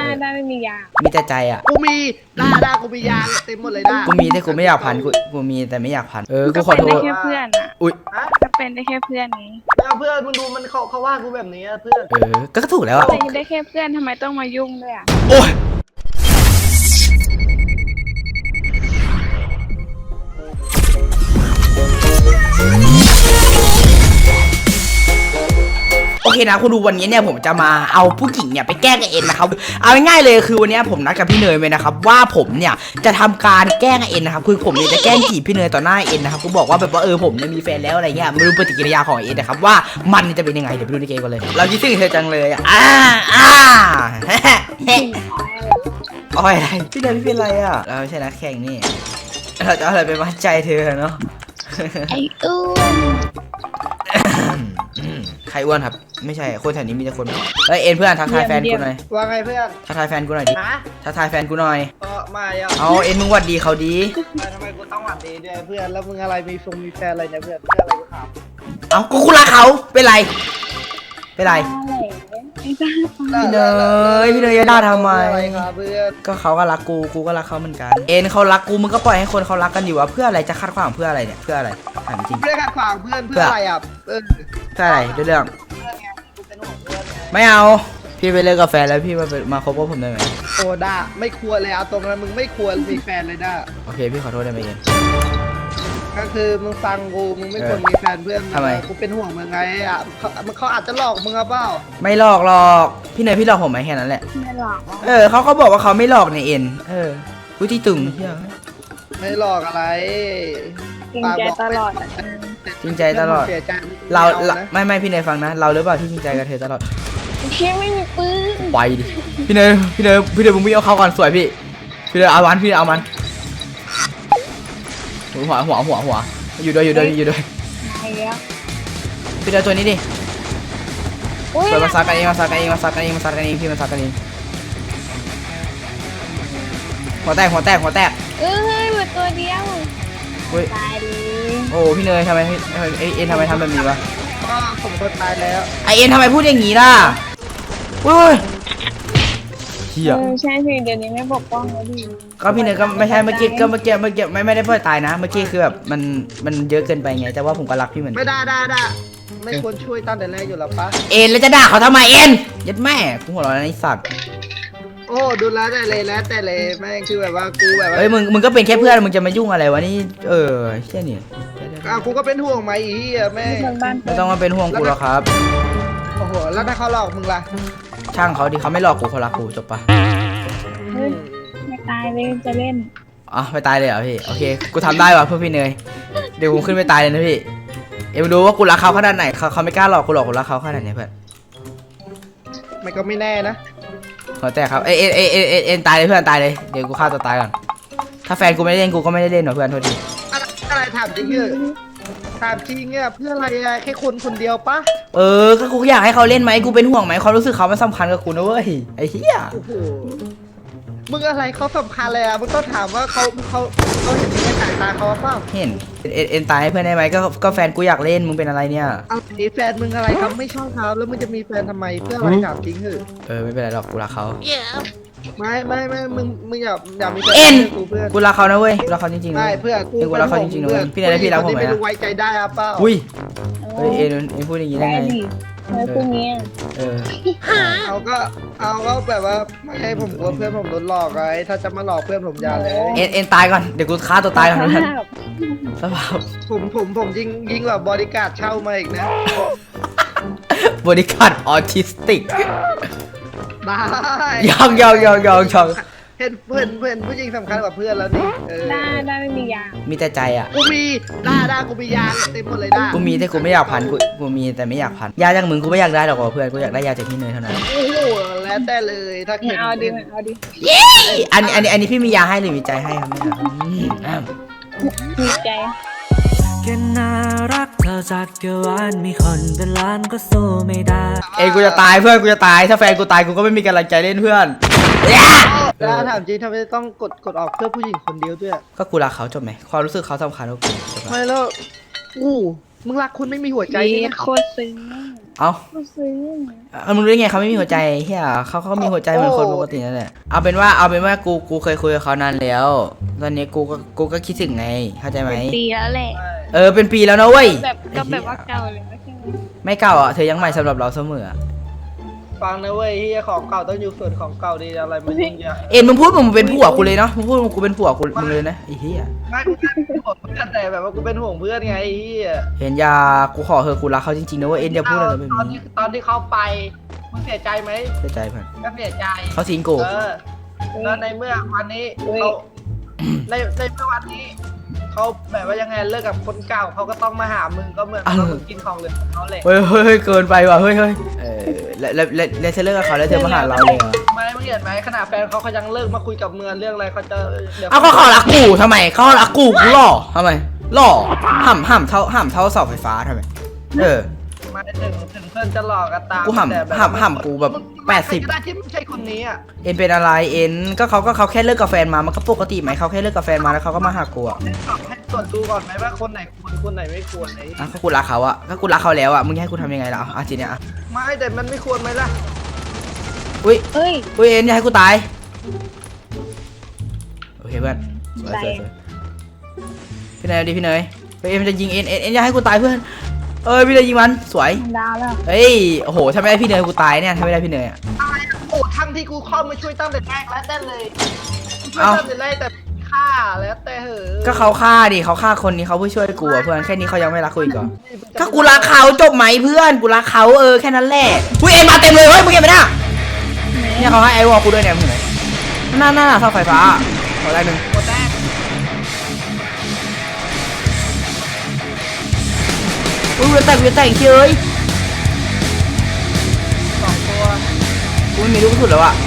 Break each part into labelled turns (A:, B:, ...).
A: ได้ไม่มียา
B: มีแต่ใจอ่ะ
C: กูมีได้กูมียางเต็มหมดเลยได้
B: กูมีแต่กูไม่อยากพันกูมีแต่ไม่อยากพันกูขอโทษ
A: ก็เป็นได้แค่เพื่อนอ่ะ
B: อุ้ย
A: ก็เป็นได้แค่เพื่อนนี้
C: แล้วเพื่อนมึงดูมันเขาว่ากูแบบนี้เพื่อน
B: ก็ถูกแล้วอ่ะ
A: เป็นได้แค่เพื่อนทำไมต้องมายุ่งด้วยอ่ะ
B: โอ้ยโอเคนะคุณดูวันนี้เนี่ยผมจะมาเอาผู้หญิงเนี่ยไปแกล้งกับเอ็นนะครับเอาง่ายๆเลยคือวันนี้ผมนัดกับพี่เนยไว้นะครับว่าผมเนี่ยจะทำการแกล้งเอ็นนะครับคือผมเนี่ยจะแกล้งจีบพี่เนยต่อหน้าเอ็นนะครับกูบอกว่าแบบว่าผมเนี่ยมีแฟนแล้วอะไรเงี้ยไม่รู้ปฏิกิริยาของเอ็นนะครับว่ามันจะเป็นยังไงเดี๋ยวไปดูในเกมกันเลยเราคิดถึงเธอจังเลยอ้อยอะไรพี่เนยพี่เป็นไรอ่ะเราไม่ใช่นักแข่งนี่เราจะเอาอะไรไปมัดใจเธอเนาะ
A: ไอ้อ้วน
B: ใครอ้วนครับไม่ใช่คนแถวนี้มีแต่คนเฮ้ยเอ็นเพื่อนทักทายแฟนกูหน่อย
C: ว่าไงเพื่อน
B: ทักทายแฟนกูหน่อยดิทักทายแฟนกูหน่อย
C: มา
B: เอาเอ็นมึงหวัดดีเขาดี
C: ทำไมกูต้องหวัดดีด้วยเพื่อนแล้วมึงอะไรมีแฟนอะไรเนี่ยเพื่อนอะไรกูถาม
B: เอากูรักเขาเป็นไรเป็นไร
A: พี่เ
B: นยอย่าด่าทำไม
C: เพื่อน
B: ก็เขาก็รักกูก็รักเขาเหมือนกันเอ็นเขารักกูมึงก็ปล่อยให้คนเขารักกันอยู่วะเพื่ออะไรจะคาดขวางเพื่ออะไรเนี่ยเพื่ออะไรถามจริง
C: เพื่อขัดขวางเพื่อนอะไรอ่ะ
B: เพื่ออะไรเรื่องไม่เอาพี่ไปเลิกกับแฟนแล้วพี่มาคบกับผมได้ไหม
C: โอ้ด่าไม่ควรเลยเอาตรงนั้นมึงไม่ควรมีแฟนเลยด่า
B: โอเคพี่ขอโทษได้ไหมเอ็น
C: ก็คือมึงฟังกูมึงไม่ควรมีแฟนเพื่อน
B: ทำไม
C: กูเป็นห่วงมึงไงอ่ะเขาอาจจะหลอกมึงเปล่า
B: ไม่หลอกพี่เนยพี่หลอกผมไหมแค่นั้นแหละ
A: ไม่หลอก
B: เขาก็บอกว่าเขาไม่หลอกในเอ็นกูที่ตึง
C: ไม่หลอกอะไร
A: จริงใจตลอด
B: จริงใจตลอดเราไม่พี่เนยฟังนะเราหรือเปล่าที่จริงใจกับเธอตลอด
A: แค่ไม่มีปืน
B: ไปดิพี่เนยมึงวิ่งเอาเข้าก่อนสวยพี่เนยเอามันพี่เอามันหัวอยู่ด้วยพี่เนยตัวนี้ดิเปิดมาซักกันเองพี่มันซักกันเองหัวแตก
A: เฮ้ยเหมือนตัวเดียวตายดิ
B: โอ้พี่เนยทำไมเอ็นทำไมทำแบบนี้วะ
C: ผมก็ตายแล้ว
B: เอ็นทำไมพูดอย่างนี้ล่ะอุ้ยเฮีย
A: ใช่พี่เดี๋ยวนี้ไม่ปกป้องแล้วดิ
B: ก็พี่เนยก็ไม่ใช่เมื่อกี้ไม่ได้พูดตายนะเมื่อกี้คือแบบมันเยอะเกินไปไงแต่ว่าผมก็รักพี่เหมือน
C: ไม่ได้ไม่ควรช่วยตั้งแต่แรกอยู่แล้วปะ
B: เอ็นแล้วจะด่าเขาทำไมเอ็นยัดแม่กูหัวเราะในสัตว์
C: โอ้ดูแล้วแต่เลยแม่งคือแบบว่ากูแบบ
B: เฮ้ยมึงก็เป็นแค่เพื่อนมึงจะมายุ่งอะไรวะนี่แค่นี้
C: กูก็เป็นห่วงไหมแม่
B: ไม่ต้องมาเป็นห่วงกูหรอกครับ
C: โอ้โหแล้วถ้าเขาหลอกมึงล่ะ
B: ช่างเขาดิเขาไม่หลอกกูเขารักกูจบปะ
A: ไม่ตายเลยจะเล่น
B: ไม่ตายเลยเหรอพี่โอเคกูทำได้ว่ะเพื่อพี่เนยเดี๋ยวกูขึ้นไปตายเลยนะพี่มาดูว่ากูรักเขาขนาดไหนเขาไม่กล้าหลอกกูรักเขาขนาดไหนเพื่อน
C: มันก็ไม่แน่นะ
B: ขอแต่ครับเอ็นตายเลยเพื่อนตายเลยเดี๋ยวกูฆ่าตัวตายก่อนถ้าแฟนกูไม่ได้เล่นกูก็ไม่ได้เล่นหรอกเพื่อนโทษที
C: อะไรถามจริงเงี้ยเพื่ออะไรแค่คนเดียวปะ
B: ก็กูอยากให้เขาเล่นไหมกูเป็นห่วงไหมความรู้สึกเขามันสำคัญกับกูนะเว้ยไอ้เหี้ย
C: มึงอะไรเขาสำคัญเลยมึงต้องถามว่าเขาเห็นในสายตาเขาเปล่า
B: เห็นเอ็นตายให้เพื่อนได้ไหมก็แฟนกูอยากเล่นมึงเป็นอะไรเนี่ย
C: แฟนมึงอะไรครับไม่ชอบเขาแล้วมึงจะมีแฟนทำไมเพื่ออะไรถามจริงเหรอ
B: ไม่เป็นไรหรอกกูรักเขา
C: ไม่มึงอยากมีแฟ
B: นกูรักเขานะเว้ยกูรักเขาจริงๆ
C: ไม่เพื่อน
B: กูรักเขาจริงๆนะพี่นายพี่รักผมไหม
C: ไม่ไว้ใจได้เปล่า
B: อุ้ยเอ็นพูดอย่างนี้ได้ไง
A: พูดงี้
C: เอาก็แบบว่าไม่ให้ผมกลัวเพื่อนผมโดนหลอกไงถ้าจะมาหลอกเพื่อนผมอย่าเลย
B: เอ็นตายก่อนเดี๋ยวกูฆ่าตัวตายก่อนนะสภาพ
C: ผมยิงแบบบริการเช่ามาอีกนะ
B: บริการออทิสติก
C: ได้
B: ยอง
C: เห็นเพื่อนผู้หญิงสำคัญกว่าเพื่อนแล้วนี่
A: ได้ไม่มียา
B: มีแต่ใจอ่ะ
C: กูมีได้กูมียาเต็มหมดเลยได้
B: กูมีแต่กูไม่อยากพันกูมีแต่ไม่อยากพันยาจากมึงกูไม่อยากได้หรอกเพื่อนกูอยากได้ยาจากพี่เนยเท่านั้น
C: โอ้โหแล้วแต่เลยถ้าเห็น
A: เอาดิ
B: อันนี้พี่มียาให้หรือมีใจให้ครับ
A: มีใจ
D: แค่น่ารักเธอจากเกวานมีคนเป็นล้านก็สู้ไม่ได้
B: กูจะตายเพื่อนกูจะตายถ้าแฟนกูตายกูก็ไม่มีกำลังใจเล่นเพื่อน
C: แล้วถามจริงทำไมต้องกดออกเพื่อผู้หญิงคนเดียวด้วย
B: ก็กูรักเขาจบไหมความรู้สึกเขาสำคัญกว่ากู
C: ไม่แล้วมึงรักคุณไม่มีหัวใจ
A: ดี
C: นี่
A: โคตรซึ้ง
B: เอ้า
A: โคตรซึ้ง
B: มึงรู้ได้ไงเขาไม่มีหัวใจเฮียเขามีหัวใจเหมือนคนปกตินั่นแหละเอาเป็นว่ากูเคยคุยกับเขานานแล้วตอนนี้กูก็คิดถึงไงเข้าใจไหม
A: ดีแล้วแหละ
B: เป็นปีแล้วนะเว้ย
A: แบบก็แบบว่าเก่าเลยไม่ใช่ไหม
B: ไม่เก่าอ่ะเธอยังใหม่สำหรับเราเสมอ
C: ฟังนะเว้ยเฮียของเก่าต้องอยู่ส่วนของเก่าดีอะไรมันยิ่งใหญ่
B: เอ็นมึงพูดมึงเป็นผัวกูเลยเนาะมึงพูดมึงกูเป็นผัวกูมึงเลยนะไอ้เหี้ย
C: ไม่กูเป็นห่วงเพื่อนแต่แบบว่ากูเป็นห่วงเพื่อนไงไอ้เฮีย
B: เห็นยากูขอเธอะกูรักเขาจริงๆนะเว้ยเอ็นอย่าพูดอะไรแบบ
C: ตอน
B: นี้
C: ที่เขาไปมึงเสียใจไหม
B: เสียใจเพื่อน
C: ก็เสียใจ
B: เขาทิ้งกู
C: แล้วในเมื่อวันนี้เขาในเมื่อวันนี้เขาแบบว่ายังไงเลิกกับคนเก่าเขาก็ต้องมาหามึงก็เหมือนมึงกินของเหลือของเขาเลย
B: เฮ้ยเกินไปว่ะเฮ้ยแล้วเธอเลิกกับเขาแล้วเธอมาหาเราเลยเหรอ
C: ไม่เห็นไหมขนาดแฟนเขายังเลิกมาคุยกับเมืองเรื่องอะไรเขาจะเดี๋ยว
B: เอาเขารักกูทำไมเขารักกูหล่อทำไมหล่อห่ำเท่าเสาไฟฟ้าทำไม
C: มาถึงเพื่อนจะหลอกกันตาม
B: กูห่ำกูแบบ80
C: ก็ได้ที่ไม่ใช่คนนี้อ่ะ
B: เอ็นเป็นอะไรเอ็นก็เขาแค่เลิกกับแฟนมามันก็ปกติไหมเขาแค่เลิกกับแฟนมาแล้วเขาก็มาหากูอ่ะ
C: ให้ตรวจดูก่อนไหมว่าคนไหนควรคนไหนไม่ควรไหน
B: ก็กูรักเขาอ่ะก็กูรักเขาแล้วอ่ะมึงให้กูทำยังไงล่ะอ่ะทีเนี้ยอ่ะ
C: ไม่แต่มันไม่ควรไหมล่ะ
B: อุ้ย
A: เอ้ย
B: เอ็นอย่าให้กูตายโอเคเพื่อนสวยพี่เนยดิพี่เนยเอ็นจะยิงเอ็นอย่าให้กูตายเพื่อนพี่เนยยิงมันสวย
A: ดาวแล้ว
B: เฮ้ยโอ้โหถ้าไม่ได้พี่เนยกูตายเนี่ยถ้าไม่ได้พี่เนยอ่ะ
C: อะไรโอ้ทั้งที่กูเข้ามาช่วยตั้งแต่แรกแล้วแต่เลยช่วยตั้งแต่แรกแต่ฆ่าแล้วแต่เหอะ
B: ก็เขาฆ่าดิเขาฆ่าคนนี้เขาเพื่อช่วยกูอ่ะเพื่อนแค่นี้เขายังไม่รักกูอีกเหรอก็กูรักเขาจบไหมเพื่อนกูรักเขาแค่นั้นแหละอุ้ยเอ็นมาเต็มเลยเฮ้ยมึงเห็นไหมน่ะเนี่ยเขาให้ไอวอลกูด้วยเนี่ยมึงเห็นไหมหน้าเสาไฟฟ้าขอแรกหนึ่ง
C: คนแรก
B: อุ้ยเวียนแตกเฉย
C: 2 ตัว
B: กูไม่มีลูกสุดแล้วอ่ะ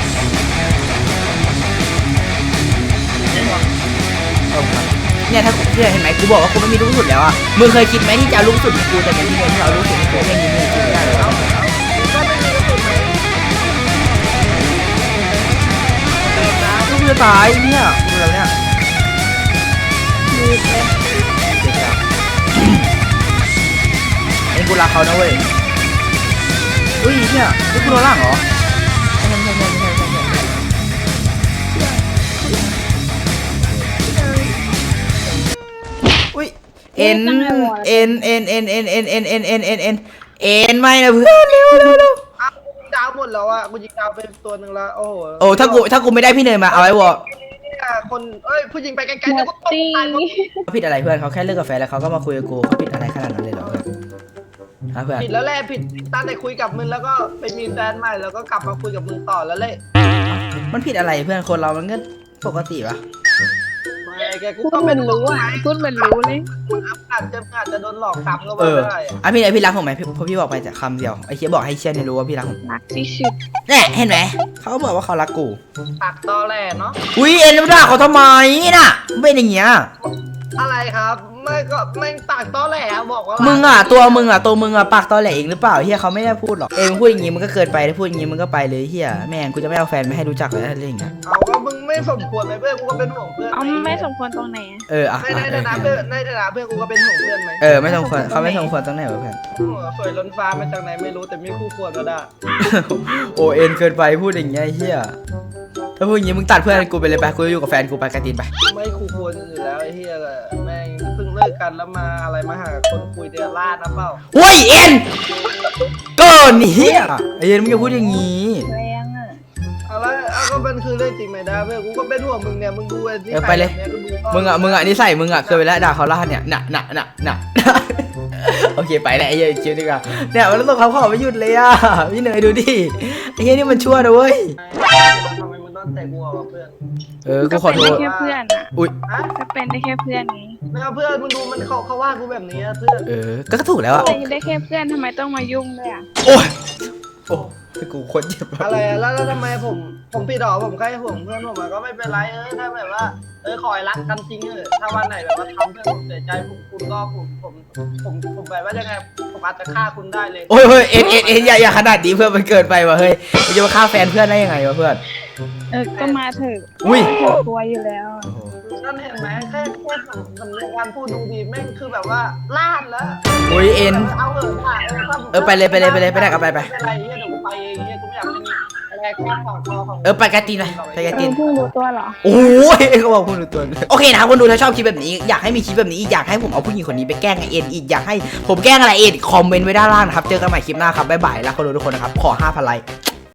B: เนี่ยถ้าเนี่ยเห็นไหมกูบอกว่ากูไม่มีลูกสุดแล้วอ่ะมึงเคยคิดไหมที่จะเอาลูกสุดให้กูแต่เป็นที่เดียวที่เอาลูกสุดให้กูแค่นี้มึงคิดไม่ได้เลย
C: ก็ไม่มีกระสุนไหมเติมน้
B: ลูกจะตายเนี่ยดูแล้วเนี่ย
A: ดีเลย
B: เอ็นกูรักเขานะเว้ยอุ้ยเนี่ยนี่กูโดนล่างเหรอไม่ใช่อุ้ยเอ็นไม่นะเพื่อนเร็ว
C: ำดาวหมดแล้วอ่ะกูยิงดาวไปตัวหนึ่งแล้วโอ้โห
B: โอ้ถ้ากูไม่ได้พี่เนยมาเอาไว้วอ
C: คนผู้หญิงไปไกลๆ
A: หม
C: แล้ว
A: ด
C: ก็ตก
A: ตี
C: ตายหมด
B: เขาผิดอะไรเพื่อนเขาแค่เลิกกับแฟนแล้วเขาก็มาคุยกับกูเขาผิดอะไรขนาดนั้นเลยเหรอเพื่อนฮะเพื่อน
C: ผิดแล้วแหละผิดตั้งแต่คุยกับมึงแล้วก็ไปมีแฟนใหม่แล้วก็กลับมาคุยกับมึงต่อแล้วเลย
B: มันผิดอะไรเพื่อนคนเรามันก็ปกติปะ
C: ไม่แกกู
A: พูด
C: ก็
A: เหมื
C: เป็
A: อน นรู้อ่ะพูดเหมือนรู้เลย
C: อาจจะโดนหลอกซ้ำก็ว่าได้
B: พี่รักผมไหมเพราะพี่บอกไปแต่คำเดียวไอ้เคียบอกให้เชียร์เนี่ยรู้ว่าพี่รักผม
A: รักที่สุด
B: เนี่ยเห็นไหมเขาก็บอกว่าเขารักกู
C: ปากตอแหลเนาะ
B: อุ้ยเอ็นด่าเขาทำไมน่ะเป็นอย่างเงี้ย
C: อะไรครับไม่ก็ไม่ปากตอแหลบอกว่า
B: มึ
C: มึ
B: งอ่ะตัวมึงอ่ะปากตอแหลเองหรือเปล่าเฮียเขาไม่ได้พูดหรอกเอ็งพูดอย่างงี้มึงก็เกินไปถ้าพูดอย่างงี้มึงก็ไปเลยเฮียแม่งกูจะไม่เอาแฟนไม่ให้รู้จักเลยอะไรอย่างเงี้ย
C: เอาก็มึงไม่สมควรไหมเพื่อนกูก็เป็นห่วงเพื่อน
A: เอาไม่สมควรตรงไหน
B: อ่ะ
C: ในฐานะเพื่อนในฐานะเพื่อนกูก็เป็นห่วงเพื่อนไหม
B: ไม่สมควรเขาไม่สมควรตรงไหนวะเพื่อน
C: สวยล้นฟ้ามาจากไหนไม่รู้แต่มีคู่ควรก็ได้
B: โอเอ็นเกินไปพูดอย่างเงี้ยเฮียถ้าพูดอย่างงี้มึงตัดเพื่อนกูไปเลยไปกูจะอยู่กับแฟนกูไปกระตินไป
C: ไม่คู่ควรอยู่แล้วไอ้เฮียแม่งเพิ่งเลิกกันแล้วมาอะไรมาหาคนคุยเดือดร้านนะเปล่า
B: โว้ยเอ็นก็เฮียไอเอ็นมึงอย่าพูดอย่างงี้
A: แรงอ่ะ
C: อะไรก็มันคือเรื่องจริงไหมนะเพื่อนกูก็เป็นห่วงมึงเนี่ยมึงดูไอ้ที่
B: ไปเลยมึงอ่ะนิสัยมึงอ่ะเคยไปแล้วด่าเขาล่าเนี่ยน่ะโอเคไปแล้วไอ้เหี้ยคิวดีกว่าเนี่ยมันต้องเขาขอไม่หยุดเลยอ่ะพี่เนยดูดิไอ้เหี้ยนี่มันชั่วนะเว้ย
C: ทำไมมึงต้องแต่กูอ่ะเพื่อน
B: กูขอโท
A: เป็น
B: ษ
A: ได้แค่เพื่อนอ่ะ
B: อุ้ย
C: ฮะ
A: ก็เป็นได้แค่เพื่อนไง
C: ไม่เอาเพื่อนมึงดูมันเขาว่ากูแบบนี้เพื่อน
B: ก็ถูกแล้วอ่ะ
A: เป็นได้แค่เพื่อนทำไมต้องมายุ่งด้วยอ่ะ
B: โอ้ยกูคนเจ็บ
C: อะไรแล้วทำไมผมผิดหรอผมแค่ห่วงเพื่อนผมก็ไม่เป็นไรถ้าแบบว่าคอยรักกันจริงถ้าวันไหนแบบว่าทำเพื่อนผมเสียใจคุณก็ผมแบบว่ายังไงผมอาจจะฆ่าคุณได้เลย
B: โอ้ยเอ็นอย่าขนาดนี้เพื่อนมันเกินไปว่ะเฮ้ยมึงจะมาฆ่าแฟนเพื่อนได้ยังไงวะเพื่อน
A: ก็มาเถอะ
B: อุ้ย
A: กลัวอยู่แล้ว
C: ในั่นเห็นไหมแค่สำเนียงการพูดดูดีแม่งคือแบบว่าลาดแล้ว
B: โอ้ยเอ็น
C: เอาเหอะค่ะ
B: ไปเลยไปได้กับไป
C: อะไรเงี้ยเดี๋ยวกูไปเองเงี้ยกูไม่อยากเป็นอะไรแค่ของคอของ
B: ไปกาตีนเลยไปกาตีน
A: เพิ่งรู้ตัวเหรอ
B: โอ้ยเขาบอกคุณดูตัวโอเคนะครับคนดูถ้าชอบคลิปแบบนี้อยากให้มีคลิปแบบนี้อีกอยากให้ผมเอาผู้หญิงคนนี้ไปแกล้งไอเอ็นอีกอยากให้ผมแกล้งอะไรเอ็นคอมเมนต์ไว้ด้านล่างนะครับเจอกันใหม่คลิปหน้าครับบ๊ายบายแล้วคนดูทุกคนนะครับขอ 5,000 ไลค์